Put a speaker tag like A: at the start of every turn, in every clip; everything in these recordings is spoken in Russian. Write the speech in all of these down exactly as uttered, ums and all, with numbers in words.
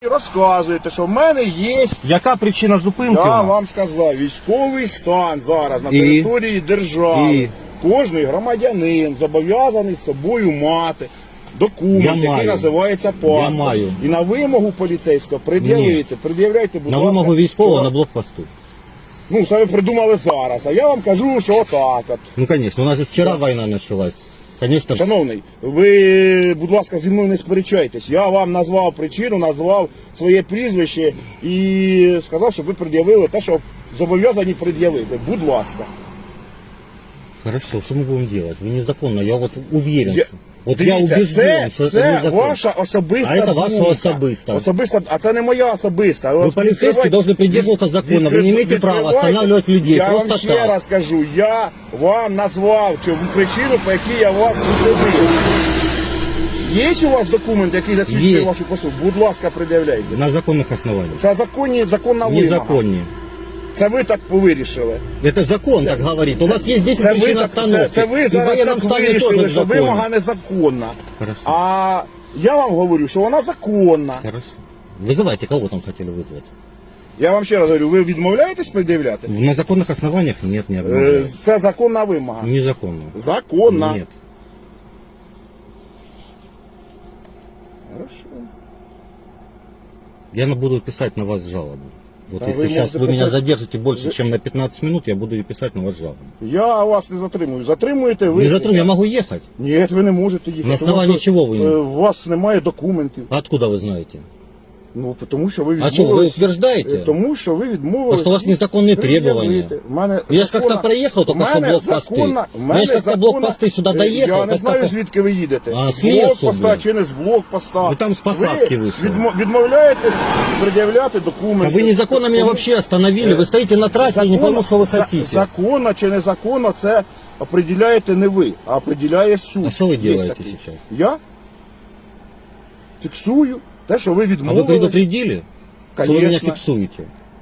A: розказуєте, що в мене є,
B: Яка причина зупинки?
A: я
B: у нас?
A: вам сказав, військовий стан зараз на
B: І?
A: території держави.
B: І?
A: Кожний громадянин зобов'язаний з собою мати документ,
B: Я
A: який
B: маю.
A: називається паспорт.
B: Я маю.
A: І на вимогу поліцейського пред'явити. Пред'являйте, будь
B: На
A: ласка.
B: вимогу військового
A: що-
B: на блокпосту.
A: Ну, це ви придумали зараз, а я вам кажу, що отак от.
B: Ну, конечно, у нас же вчера война началась. Конечно,
A: Шановний, ви, будь ласка, зі мною не сперечайтесь. Я вам назвав причину, назвав своє прізвище і сказав, щоб ви пред'явили те, що зобов'язані пред'явити. Будь ласка.
B: хорошо, что мы будем делать? Вы незаконно, я вот уверен,
A: Я-
B: что... Вот
A: Дивіться,
B: я убежден,
A: це,
B: что это
A: це
B: незаконно.
A: ваша особиста
B: А це ваша
A: думка.
B: особиста.
A: Особиста, а це не моя особиста.
B: Вы
A: От
B: полицейские
A: відкривайте-
B: должны придерживаться закона, вы не имеете права
A: відкривайте.
B: останавливать людей
A: Я
B: просто
A: вам ще
B: так.
A: раз кажу, я вам назвав чому причину, по якій я вас зупинив. Є у вас документ, який засвідчує
B: Є.
A: вашу послугу? Будь ласка, пред'являйте.
B: На законных основаниях.
A: Це законні, законна вимога.
B: Незаконнее.
A: Це ви так повирішили.
B: Это закон
A: Це-
B: так говорит. У
A: це-
B: вас есть десять
A: це ви
B: причин
A: так-
B: остановки.
A: Це, це ви
B: И в
A: зараз
B: военном
A: так
B: стане
A: вирішили,
B: тоже
A: що
B: законно.
A: вимога незаконна.
B: Хорошо.
A: А я вам говорю, що вона законна.
B: Хорошо. Вызывайте, кого там хотели вызвать?
A: Я вам ще раз говорю, ви відмовляєтесь пред'являти?
B: На законных основаниях нет, не
A: Е,
B: обновляю.
A: Це законна вимога.
B: Незаконно.
A: Законна.
B: Нет.
A: Хорошо.
B: Я на- буду писать на вас жалобу. Вот
A: Да
B: если
A: вы
B: сейчас
A: можете
B: вы меня
A: писать-
B: задержите больше,
A: Вы-
B: чем на пятнадцать минут, я буду писать на вас жалобу.
A: Я вас не затримую. Затримуєте ви.
B: Не затрудню, я могу ехать.
A: Ні, ви не можете їхати.
B: На основании
A: Тому що,
B: чего вы не-
A: е, У вас немає документів.
B: Откуда вы знаете?
A: Ну, тому що ви
B: А
A: відмовились.
B: что, вы утверждаете?
A: Е, Тому що ви відмовились.
B: Потому что у вас
A: їх
B: незаконные
A: пред'явити.
B: требования.
A: В мене
B: Я ж
A: законна-
B: как-то проехал только
A: в
B: что
A: мене
B: блокпосты.
A: законна- в
B: Я
A: мене
B: ж как-то
A: законна-
B: блокпосты сюда
A: Е,
B: доехал.
A: Я не
B: как
A: знаю,
B: только-
A: звідки ви їдете.
B: А,
A: з
B: з лісу,
A: блокпоста
B: блін.
A: чи не з блокпоста.
B: Ви там з посадки
A: Ви
B: вийшли.
A: відмо- відмовляєтесь пред'являти
B: А
A: документи.
B: вы незаконно меня
A: Тому-
B: вообще остановили. Вы стоите на трассе, я не пойму, что вы
A: за-
B: хотите.
A: Законно чи незаконно, це определяєте не ви, а определяє суд.
B: А що ви
A: Є
B: делаете
A: такий.
B: сейчас?
A: Я фіксую те, що ви
B: А вы
A: відмовились.
B: предупредили, что вы меня
A: Конечно.
B: фиксуете?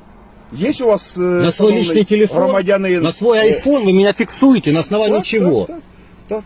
A: Є у вас е,
B: На свой
A: шановний
B: личный телефон,
A: громадянин?
B: на свой
A: е,
B: айфон вы меня фиксуете, на основании
A: так,
B: чего?
A: Так, так, так.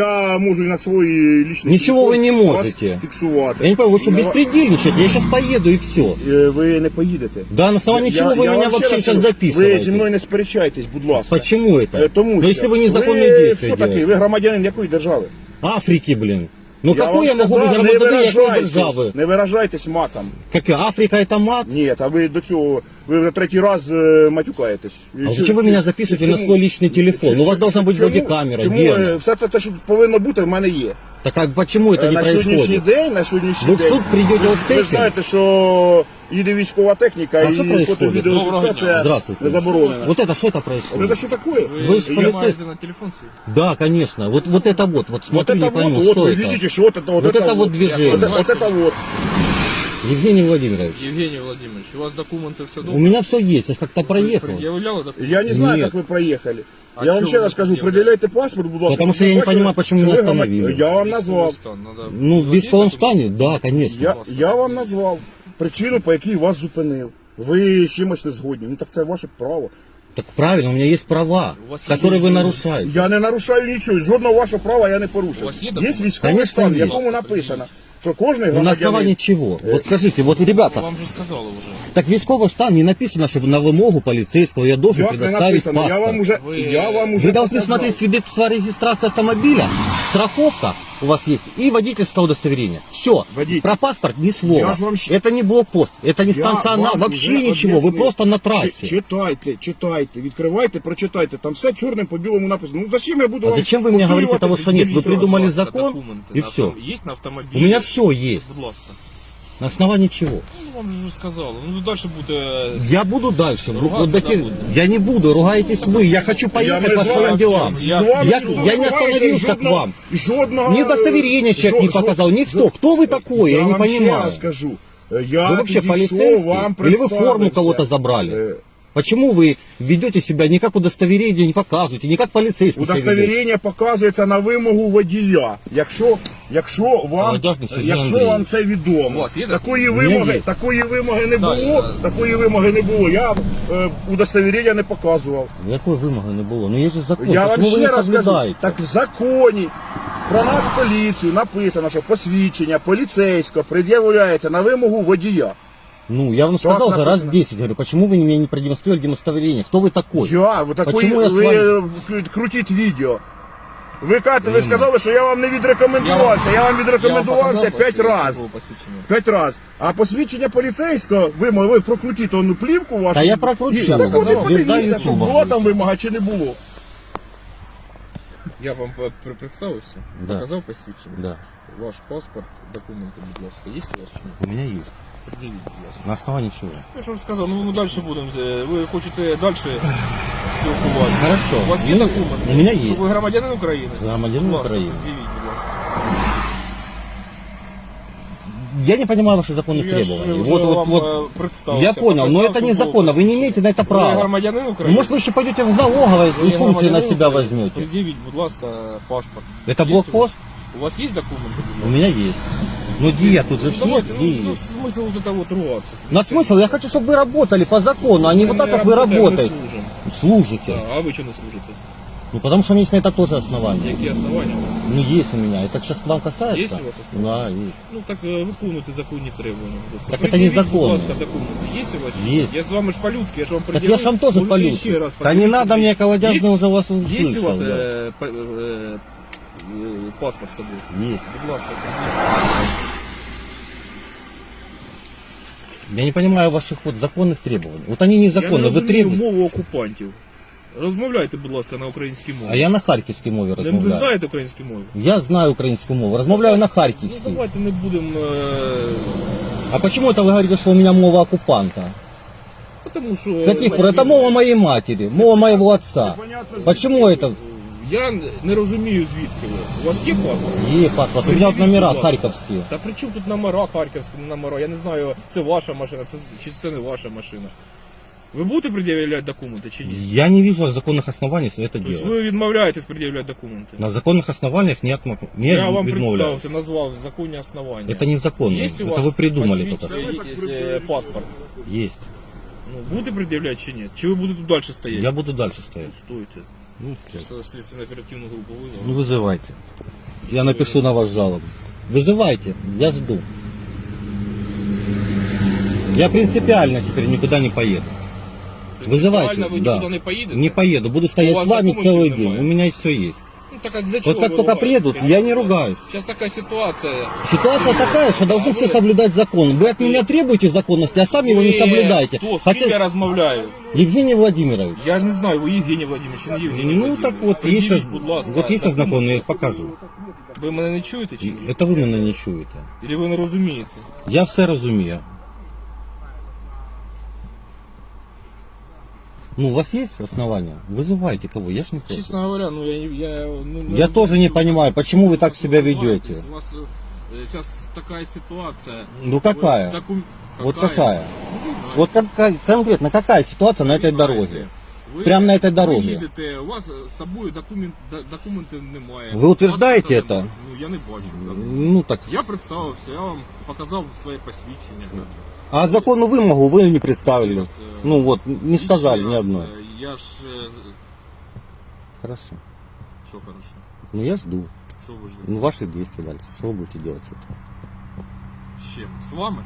A: Я можу і на свій личний
B: Нічого
A: телефон
B: ви не
A: вас
B: можете.
A: фіксувати.
B: Я не понимаю, вы что,
A: На ва-
B: беспредельничаете? Я сейчас поеду и все.
A: Е, Ви не поїдете.
B: Да, на основании чего вы
A: Я
B: меня
A: вам ще
B: вообще
A: раз
B: сейчас
A: кажу,
B: записываете?
A: Ви зі мною не сперечайтесь, будь ласка.
B: Почему это?
A: Е, Тому
B: Но
A: що
B: если вы незаконные
A: ви
B: действия
A: хто такий?
B: делаете.
A: Ви громадянин якої держави?
B: Африки, блин. Ну
A: Я
B: какой
A: вам
B: я могу быть
A: сказав, не
B: громадянин какой
A: виражайтесь,
B: державы?
A: не виражайтесь матом.
B: Как Африка это мат?
A: Ні, а ви до цього, ви вже третій раз е, матюкаєтесь.
B: А зачем вы меня записываете на свой личный телефон? У вас должна быть вроде камера,
A: Чому
B: где
A: е,
B: она?
A: все те, те, що повинно бути, в мене є.
B: Так а почему это
A: Е,
B: не
A: на сьогоднішній
B: происходит?
A: день, на сьогоднішній
B: Вы в
A: день.
B: суд придете
A: ви,
B: вот с
A: ви
B: этим?
A: знаєте, що їде військова техніка
B: А що
A: і
B: происходит?
A: фото-відеофіксація
B: Здравствуйте.
A: не заборонена.
B: Вот это что это
A: Це
B: происходит?
A: що таке?
B: Вы
C: Вы
B: ж
C: снимаете
B: полицейский.
C: на телефон свой?
B: Да, конечно. Вот, вот это вот, вот
A: Вот
B: смотрю,
A: это
B: не
A: вот,
B: пойму,
A: вот,
B: что
A: вы
B: это.
A: видите, что вот это вот,
B: Вот это вот движение.
A: Вот, это- вот это вот.
B: Евгений Владимирович,
C: Евгений Владимирович, у вас документы все
B: у
C: дома?
B: меня все есть, я ж как-то проехал.
C: Предъявляла документы?
A: Я не знаю,
B: Нет.
A: как вы проехали.
C: А
A: я вам
C: чё
A: ще
C: вы
A: раз скажу,
C: предъявляете?
A: предъявляйте паспорт, будь ласка.
B: Потому что
A: щоб
B: я не
A: бачили,
B: понимаю, почему
A: що
B: меня
A: ви громад-
B: остановили.
A: Я вам
C: Військовий
A: назвав.
C: стан, надо-
B: Ну,
C: У
B: в
C: вас есть
B: військовом
C: документы?
B: стані, да, конечно.
A: Я, я вам назвав причину, по якій вас зупинив. Ви з чимось не згодні. Ну так це ваше право.
B: Так правильно, у меня есть права,
C: У вас есть
B: которые вы
C: есть-
B: нарушаете.
A: Я не нарушаю нічого, жодного вашого права я не
C: У
A: порушив.
C: вас є
A: Є
C: документи?
A: військовий
B: Конечно,
A: стан, в
B: є.
A: якому написано, що кожен
B: Ну, на основании
A: громадянин...
B: чего? Вот скажите, вот ребята,
C: Вам же сказала уже.
B: так військовий стан не написано, чтобы на вымогу полицейского я должен
A: Як не
B: предоставить
A: написано, я
B: паспорт.
A: вам уже,
C: Вы-
A: я вам уже
B: Вы должны
A: показав.
B: смотреть свидетельство о регистрации автомобиля, страховка у вас есть и водительское удостоверение. Все.
A: Водитель.
B: Про паспорт ни слова.
A: Я ж вам щ-
B: Это не блокпост, это не
A: Я
B: станционар,
A: вам
B: вообще
A: вже
B: ничего. Вы
A: об'яснив.
B: просто на
A: Чи-
B: трассе.
A: Читайте, читайте, відкривайте, прочитайте. Там все чорним по білому написано. Ну зачем я буду
B: А
A: вам
B: зачем вы мне говорите
A: повторювати
B: того, что нет? Вы
A: десять
B: придумали
A: разів?
B: закон,
C: Документы
B: и
C: на
B: все.
C: авто- Есть на автомобиле?
B: У меня все есть.
C: Будь ласка.
B: На основании чего?
C: Ну, вам же уже сказала. Ну, дальше буде...
B: Я буду дальше.
C: Ругаться,
B: Вот такие-
C: да, буду.
B: Я не буду, ругаетесь вы. Я хочу поехать
A: не
B: по
A: з вами
B: своим делам.
A: общаюсь.
C: Я-
A: З вами
B: я-
A: ніхто
B: я
A: не
B: не
A: ругається,
B: остановился к
A: жодного-
B: вам.
A: Жодного...
B: Мне удостоверение человек не
A: жо-
B: показал.
A: жо-
B: Никто. Кто вы такой? Я,
A: Я
B: не
A: вам ще
B: понимаю.
A: раз скажу. Я
B: Вы вообще
A: підійшов,
B: полицейский?
A: вам
B: Или вы форму
A: представився.
B: кого-то забрали?
A: Е,
B: Почему вы ведете себя не как удостоверение, не показываете, не как полицейский себя ведете?
A: Удостоверення показується на вимогу водія. Якщо, якщо вам,
B: Молодяжний Сергій
A: якщо
B: Андрійович.
A: вам це відомо,
C: У вас є
A: такої
B: мене
A: вимоги,
B: є.
A: такої вимоги не
C: Да,
A: було,
C: я-
A: такої вимоги не було. Я е, удостоверення не показував.
B: Якої вимоги не було? Ну є ж закон.
A: Я вам
B: Почему вы
A: ще
B: не
A: раз кажу,
B: соблюдаете?
A: так в законі про Нацполіцію написано, що посвідчення поліцейського пред'являється на вимогу водія.
B: Ну, я вам
A: Так
B: сказал же раз
A: написано.
B: десять, говорю, почему вы мне не продемонстрировали удостоверение? Кто вы такой?
A: Я, ви такої,
B: Почему я з
A: ви
B: вами?
A: е, крутіть відео. Ви, кажете, ви сказали, що я вам не відрекомендувався. Я вам відрекомендувався п'ять разів. П'ять разів. А посвідчення поліцейського, ви, ви прокрутіть одну плівку вашу.
B: Та я прокручу.
A: І- Так от і
B: Звізда
A: подивіться, що
B: Ютуба.
A: була там вимога чи не було.
C: Я вам е, при- представився,
B: Да.
C: показав посвідчення.
B: Да,
C: Ваш паспорт, документи, будь ласка, є у вас чи ні?
B: у меня есть.
C: Пред'явіть, будь ласка.
B: На основании чего?
C: Я ж вам сказав, ну ми далі будемо. е, Ви хочете далі спілкуватися?
B: Хорошо.
C: У вас є
B: Ну,
C: документи?
B: у меня есть.
C: Ви громадянин України?
B: Громадянин
C: Будь ласка,
B: України.
C: пред'явіть, будь ласка.
B: Я не понимаю ваши законных
C: Ну, я ж
B: требований.
C: вже
B: Вот, вот,
C: вам
B: вот.
C: е, представився.
B: Я понял, но
C: показав,
B: это
C: що
B: незаконно.
C: було
B: Вы не имеете на это
C: Ви
B: права.
C: громадянин
B: Ну,
C: України?
B: может, вы еще пойдете в налоговое
C: Ви
B: и функции на
C: громадянин
B: себя
C: України?
B: возьмете.
C: Пред'явіть, будь ласка, паспорт.
B: Это
C: Є
B: блокпост?
C: У вас є документи? будь
B: У
C: ласка?
B: меня есть. Ну, где тут же ж
C: Ну, давайте,
B: есть,
C: ну,
B: где
C: ну,
B: есть.
C: смысл вот это вот ругаться.
B: На смысл, я хочу, чтобы вы работали по закону, а не
C: Мы
B: вот так,
C: не
B: как вы
C: работаем, мы
B: работаете.
C: служим.
B: Служите.
C: Да, а вы что не служите?
B: Ну, потому что у меня есть на это тоже основания.
C: Какие основания?
B: Ну, есть у меня. Это сейчас к вам касается?
C: Есть у вас основания?
B: Да, есть.
C: Ну так е, виконуйте законні требування. будь ласка.
B: Так це
C: Пред'явіть,
B: незаконно.
C: Будь ласка, документи. Є у вас? чи ні?
B: Есть.
C: Я з вами ж по-людськи, я ж вам
B: Так
C: пред'явив.
B: я ж вам тоже
C: Можете
B: полюсь.
C: ще раз
B: Да не
C: пред'явити.
B: надо мне колодяжный,
C: Есть-
B: уже вас
C: Є у вас
B: услышал. да.
C: е, па- е, е, паспорт з собою?
B: Есть.
C: Будь ласка, пред'явіть.
B: Я не понимаю ваших вот законных требований. Вот они
C: Я не
B: незаконны, вы
C: розумію
B: требуете.
C: мову окупантів. Розмовляйте, будь ласка, на українській мові.
B: А я на харківській мові
C: Не, ви
B: розмовляю.
C: знаєте українську мову?
B: Я знаю українську мову, розмовляю на
C: Ну
B: харківській.
C: давайте не будемо... Е...
B: А почему это вы говорите, что у меня мова оккупанта?
C: Потому що...
B: С каких пор? Это мова моей матери, мова моего отца. Почему это?
C: Я не розумію, звідки ви. У вас є паспорт?
B: Е, паспорт, у меня вот номера харьковские.
C: Та при чому тут номера, харківські номера? Я не знаю, це ваша машина, це, чи це не ваша машина. Ви будете пред'являти документи чи ні?
B: Я не вижу законных оснований это
C: Тобто
B: делать.
C: ви відмовляєтесь пред'являти документи?
B: На законных основаниях не, отмо... не
C: Я вам
B: відмовляюсь.
C: представився, назвав законні основання.
B: Это незаконно.
C: Є у
B: Это
C: вас
B: вы придумали
C: посвідч-
B: только что.
C: е, е, паспорт?
B: Есть.
C: Ну, будете пред'являти чи ні? Чи ви будете тут далі стояти?
B: Я буду дальше стоять.
C: Стойте.
B: Ну, стоять.
C: Це слідчо оперативну групу визвав.
B: Ну, вызывайте. Я напишу на вас жалобу. Вызывайте, я жду. Я принципиально теперь никуда не поеду. Вызывайте,
C: Реально ви
B: да.
C: нікуди не поїдете?
B: Не поеду, буду
C: У
B: стоять
C: вас
B: с вами
C: документів
B: целый
C: немає?
B: день. У меня все есть.
C: Ну, так, а для чего
B: Вот как
C: вы
B: только
C: ругаетесь,
B: приедут,
C: скажите,
B: я не
C: пожалуйста?
B: ругаюсь.
C: Сейчас такая ситуация.
B: Ситуация такая, что должны
C: А
B: все
C: вы-
B: соблюдать закон. Вы от меня требуете законности, а сами его не
C: Вы
B: соблюдаете.
C: Хто, з ким я
B: Хотя...
C: розмовляю?
B: Евгений Владимирович.
C: Я ж не знаю, ви Євгеній Владимирович чи не Євгеній
B: Ну
C: Владимирович.
B: так вот, есть,
C: Пред'явіть, будь ласка,
B: вот есть
C: документ.
B: знакомые, я их покажу.
C: Ви мене не чуєте чи ні?
B: Это вы мене не чуєте.
C: Или ви не розумієте?
B: Я все розумію. Ну, у вас есть основания? Вызывайте кого, я ж не против.
C: Честно говоря, ну я... Я, ну,
B: Я тоже не понимаю, почему вы так себя ведете.
C: У вас сейчас такая ситуация.
B: Ну какая?
C: Вы докум-
B: Вот какая?
C: Ну,
B: Вот какая, конкретно какая ситуация на этой дороге?
C: Ви-
B: Прямо на этой
C: Ви
B: дороге.
C: їдете, у вас з собою документ, до- документів немає.
B: Ви утверждаєте
C: Паспорта
B: це?
C: немає. Ну я не бачу. так.
B: Ну так.
C: Я представився, я вам показав своє посвідчення. так.
B: А законную вымогу вы не представили.
C: Зараз, е,
B: Ну вот, не
C: ще
B: сказали ни
C: раз,
B: одной.
C: е, Я ж... е, з-
B: Хорошо.
C: Що хорошо?
B: Ну я жду.
C: Що ви ждете?
B: Ну ваши действия дальше. Что вы будете делать с этим?
C: З чим? З вами?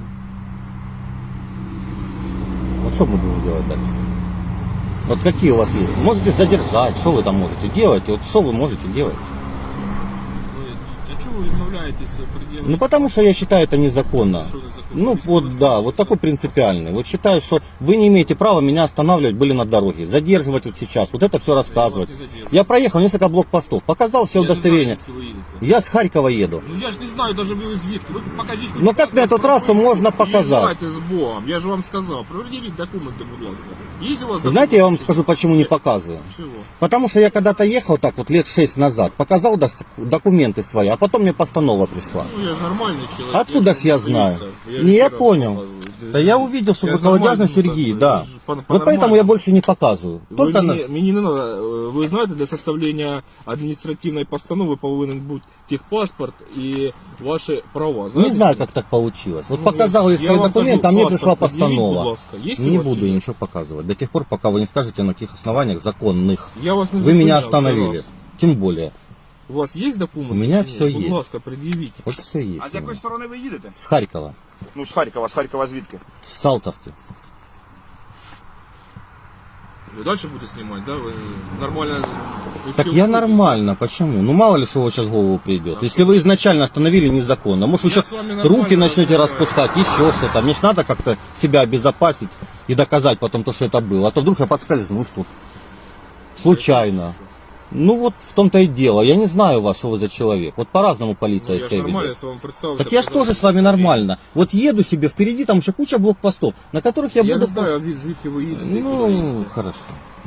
B: Вот что мы будем делать дальше? Вот какие у вас есть? Можете задержать, что вы там можете делать? Вот что вы можете делать?
C: Ви, для чого ви відмовляєтесь пред'явити?
B: Ну потому что я считаю это незаконно.
C: Що незаконно?
B: Ну
C: Військовий
B: вот
C: стан
B: да,
C: чи
B: вот
C: що?
B: такой принципиальный. Вот считаю, что вы не имеете права меня останавливать были на дороге, задерживать вот сейчас, вот это все
C: Я вас
B: рассказывать.
C: не задержую.
B: Я проехал несколько блокпостов, показал все
C: Я не
B: удостоверения.
C: знаю, звідки ви їдете.
B: Я с Харькова еду.
C: Ну я ж не знаю даже ви звідки. Ви покажіть.
B: Ну, как на эту трассу можно показать?
C: Давайте з Богом. Я ж вам сказав. Пред'явіть документи, будь ласка. Є у вас
B: Знаете, я вам
C: документи?
B: скажу, почему не показываю.
C: Чего?
B: Потому что я когда-то ехал так вот лет шесть назад, показал дос- документы свои, а потом мне постанова пришла.
C: Ну я же нормальный человек.
B: Откуда
C: я
B: ж я
C: же
B: знаю?
C: я
B: Не,
C: же
B: я
C: вчера
B: понял.
C: показывал.
B: Да я увидел, что
C: Я
B: вы
C: же
B: колодяжный
C: нормально
B: Сергей,
C: показываю.
B: да.
C: Я же по-
B: Вот поэтому
C: по-нормальному.
B: я больше не показываю.
C: Ви
B: Только на...
C: мені, мені не надо. е, Ви знаєте, для составлення адміністративної постанови повинен бути техпаспорт і ваші права.
B: Не
C: Знаєте,
B: знаю,
C: що?
B: как так получилось. Вот
C: Ну,
B: показал я
C: я
B: свои
C: вам
B: документы,
C: кажу,
B: а мне
C: паспорт
B: пришла
C: предъявіть, будь
B: постанова.
C: ласка. Є у
B: Не
C: вас
B: буду
C: чи ні?
B: ничего показывать. До тех пор, пока вы не скажете, на каких основаниях законных
C: Я вас не
B: вы меня
C: зупиняв, це
B: остановили.
C: раз.
B: Тем более.
C: У вас є документи?
B: У мене
C: чи ні?
B: все
C: Будь
B: є.
C: ласка, пред'явіть.
B: Вот все есть.
A: А з якої сторони ви їдете?
B: С Харькова.
A: Ну, з Харкова, з Харкова звідки?
B: С Салтовки.
C: Ви далі будете знімати, да? Ви нормально... ви
B: Так я
C: спілкуєтесь?
B: нормально, почему? Ну мало ли что у вас сейчас в голову придет. Если вы изначально остановили незаконно, может вы
C: Я
B: сейчас
C: с вами нормально
B: руки начнете
C: разговариваю.
B: распускать, еще что-то. Мне ж надо как-то себя обезопасить и доказать потом то, что это было. А то вдруг я подскользнусь тут. Случайно. Ну вот в том-то и дело. Я не знаю вас, что вы за человек. Вот по-разному
C: Ну,
B: полиция
C: я ж
B: себя
C: нормально
B: ведет.
C: с вами представился.
B: Так я же тоже с вами нормально. Вот еду себе, впереди там еще куча блокпостов, на которых я,
C: Я
B: буду...
C: не знаю, а звідки ви їдете. і куди
B: Ну,
C: їдете.
B: хорошо.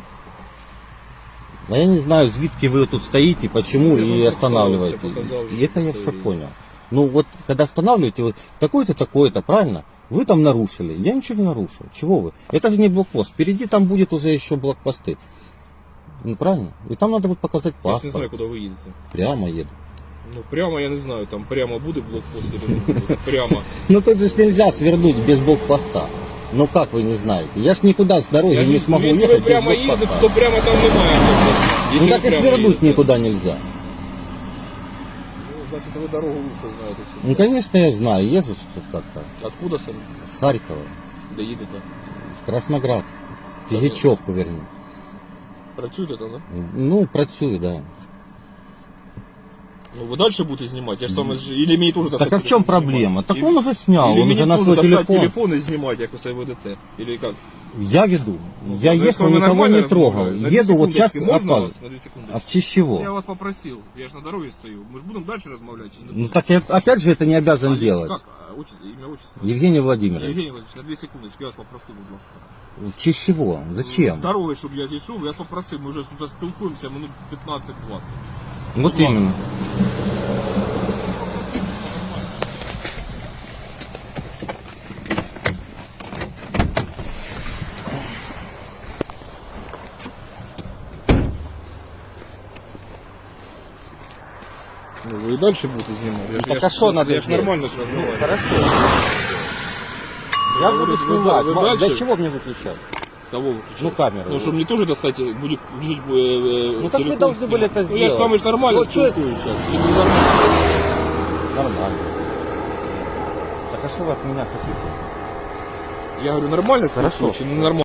B: А я не знаю, звідки вы тут стоите, почему
C: Я
B: и
C: вам
B: останавливаете.
C: представился, показал,
B: И это
C: что
B: я все
C: стоите.
B: понял. Ну вот, когда останавливаете, вы такой-то, такой-то, правильно? Вы там нарушили. Я ничего не нарушил. Чего вы? Это же не блокпост. Впереди там будет уже еще блокпосты. Ну правильно? И там надо будет показать
C: Я ж не знаю,
B: паспорт.
C: куди ви їдете.
B: Прямо еду.
C: Ну прямо я не знаю, там прямо буде блокпост или не буде. Прямо.
B: Ну тут же ж нельзя свернуть без блокпоста. Ну как вы не знаете? Я ж никуда с дороги
C: Я
B: не
C: ж-
B: смогу
C: Якщо ви
B: ехать без
C: прямо їдете,
B: блокпоста.
C: то прямо там немає блокпоста.
B: Ну
C: Якщо
B: так
C: ви
B: и
C: прямо
B: свернуть
C: їдете.
B: никуда нельзя.
C: Ну, значит, вы дорогу лучше знаете.
B: Ну конечно я знаю, езжу что как-то.
C: Откуда сам?
B: С Харькова.
C: Де їдете?
B: В Красноград. В
C: Це-
B: Ігічовку, вернее.
C: Працюєте там, да?
B: Ну, працюю, да.
C: Ну ви далі будете знімати? Я ж саме ж... Или мені теж
B: Так
C: достати
B: а в чем
C: телефон
B: проблема?
C: знімати?
B: Так он уже снял,
C: Или
B: он
C: мені
B: уже на
C: теж
B: свой
C: достати
B: телефон.
C: телефон і знімати, як ви себе ведете? Или як?
B: Я веду.
C: Ну,
B: Я
C: я с
B: ехал,
C: вами
B: никого
C: нормально
B: не трогал.
C: разговариваю. На две
B: Еду вот сейчас
C: секундочки, можно
B: опаздываю.
C: вас? На две секундочки.
B: А в честь чего?
C: Я вас попросил, я же на дороге стою. Мы же будем дальше размовлять? Или не
B: Ну
C: будем?
B: так я опять же это не обязан
C: Алекс,
B: делать.
C: Как? А, отчество, имя, отчество?
B: Евгений Владимирович.
C: Евгений Владимирович, на две секундочки, я вас попросил, будь ласка.
B: В честь чего?
C: З
B: Зачем?
C: дороги, щоб я зійшов, я вас попросив, ми вже тут спілкуємося минут пятнадцать-двадцать.
B: Вот
C: будь ласка.
B: именно.
C: Ну, вы и дальше будете снимать. Я, ж-
B: так
C: я,
B: а
C: ж-
B: что надо
C: я ж
B: сделать?
C: нормально же разговариваю.
B: Хорошо. Я
C: Ну,
B: буду
C: вы-
B: снимать.
C: вы
B: Ма-
C: дальше?
B: Для чего мне выключать?
C: Кого выключать?
B: Ну, камеру.
C: Ну, чтобы мне тоже достать, э, будет включить э, э,
B: Ну, так вы
C: телефон
B: должны
C: снимать.
B: были это
C: Ну, я же
B: сделать.
C: самый ж нормально
B: Вот что-
C: спілкуюсь сейчас. Чи не нормально?
B: Нормально. Так а что вы от меня хотите?
C: Я говорю, нормально
B: Хорошо.
C: спілкуюсь, чи не нормально?